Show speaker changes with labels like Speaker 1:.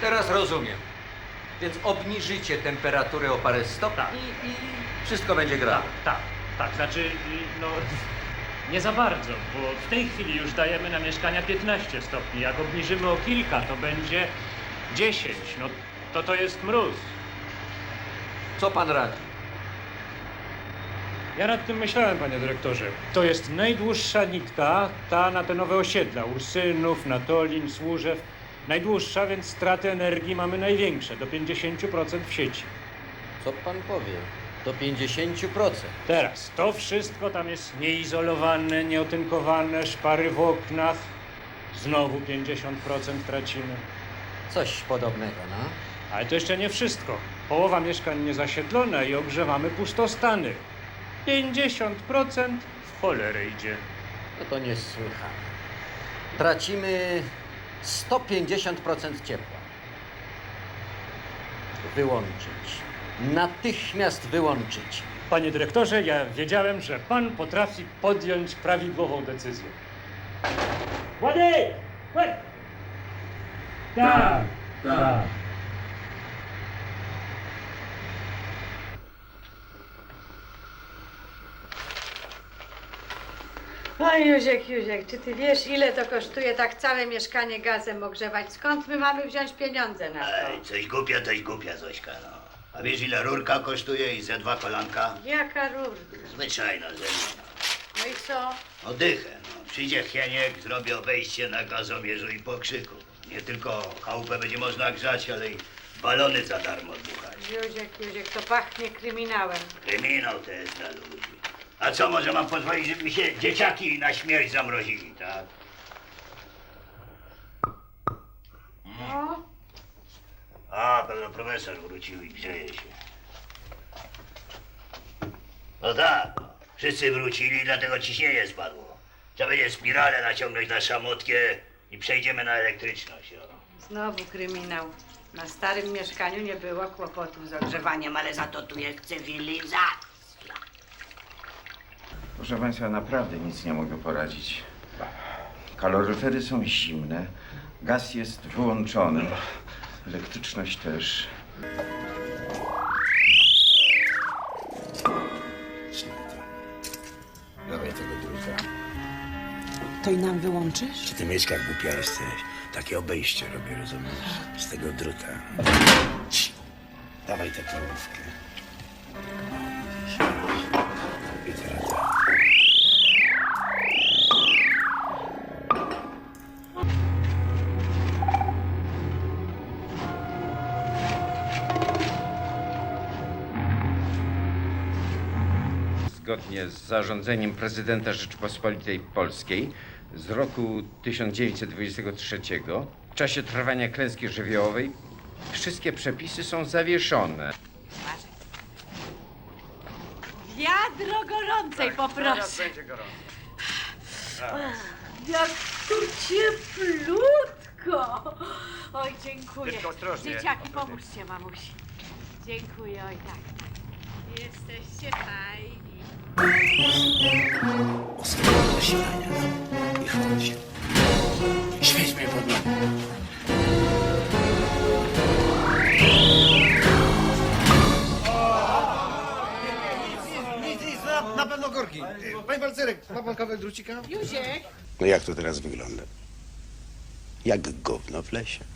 Speaker 1: Teraz rozumiem. Więc obniżycie temperaturę o parę stopni
Speaker 2: Tak.
Speaker 1: i wszystko będzie grało.
Speaker 2: Tak, znaczy, no, nie za bardzo, bo w tej chwili już dajemy na mieszkania 15 stopni. Jak obniżymy o kilka, to będzie 10. No, to jest mróz.
Speaker 1: Co pan radzi?
Speaker 2: Ja nad tym myślałem, panie dyrektorze. To jest najdłuższa nitka, ta na te nowe osiedla. Ursynów, Natolin, Służew. Najdłuższa, więc straty energii mamy największe, do 50% w sieci.
Speaker 1: Co pan powie? Do 50%.
Speaker 2: Teraz, to wszystko tam jest nieizolowane, nieotynkowane, szpary w oknach. Znowu 50% tracimy.
Speaker 1: Coś podobnego, no.
Speaker 2: Ale to jeszcze nie wszystko. Połowa mieszkań niezasiedlona i ogrzewamy pustostany. 50% w cholerę idzie.
Speaker 1: No to niesłychane. Tracimy 150% ciepła. Wyłączyć. Natychmiast wyłączyć.
Speaker 2: Panie dyrektorze, ja wiedziałem, że pan potrafi podjąć prawidłową decyzję. Władek! Tak!
Speaker 3: Oj, Józiek, czy ty wiesz, ile to kosztuje tak całe mieszkanie gazem ogrzewać? Skąd my mamy wziąć pieniądze na to?
Speaker 4: Ej, coś głupia, Zośka, no. A wiesz, ile rurka kosztuje i ze 2 kolanka?
Speaker 3: Jaka rurka?
Speaker 4: Zwyczajna ze mną.
Speaker 3: No i co?
Speaker 4: Oddychę, no. Przyjdzie Hieniek, zrobi obejście na gazomierzu i pokrzyku. Nie tylko chałupę będzie można grzać, ale i balony za darmo dmuchać.
Speaker 3: Józiek, to pachnie kryminałem.
Speaker 4: Kryminał to jest dla ludzi. A co, może mam pozwolić, żeby mi się dzieciaki na śmierć zamrozili, tak?
Speaker 3: No,
Speaker 4: A, pewno profesor wrócił i grzeje się. No tak, no. Wszyscy wrócili, dlatego ciśnienie spadło. Trzeba będzie spiralę naciągnąć na szamotkę i przejdziemy na elektryczność. O.
Speaker 3: znowu kryminał. Na starym mieszkaniu nie było kłopotów z ogrzewaniem, ale za to tu jest cywilizacja.
Speaker 5: Proszę Państwa, naprawdę nic nie mogę poradzić. Kaloryfery są zimne, gaz jest wyłączony, elektryczność też.
Speaker 6: Dawaj tego druta.
Speaker 7: To i nam wyłączysz?
Speaker 6: Czy ty Mieszka głupia jesteś? Takie obejście robię, rozumiesz? Z tego druta. Cii. Dawaj tę torówkę. I teraz tak.
Speaker 5: Zgodnie z zarządzeniem prezydenta Rzeczypospolitej Polskiej z roku 1923 w czasie trwania klęski żywiołowej wszystkie przepisy są zawieszone.
Speaker 3: Wiadro gorącej poproszę.
Speaker 1: Będzie gorąco.
Speaker 3: Jak tu cieplutko. Oj, dziękuję.
Speaker 1: Tylko ostrożnie,
Speaker 3: Dzieciaki,
Speaker 1: ostrożnie.
Speaker 3: pomóżcie mamusi. Dziękuję, oj tak. Jesteście fajni.
Speaker 6: Oskar do silania. I chodź. Świeć mnie pod nogi.
Speaker 8: Nic, na pewno korki. Panie Balcerek, ma pan kawałek drucika?
Speaker 3: Józiek.
Speaker 6: No jak to teraz wygląda? Jak gówno w lesie.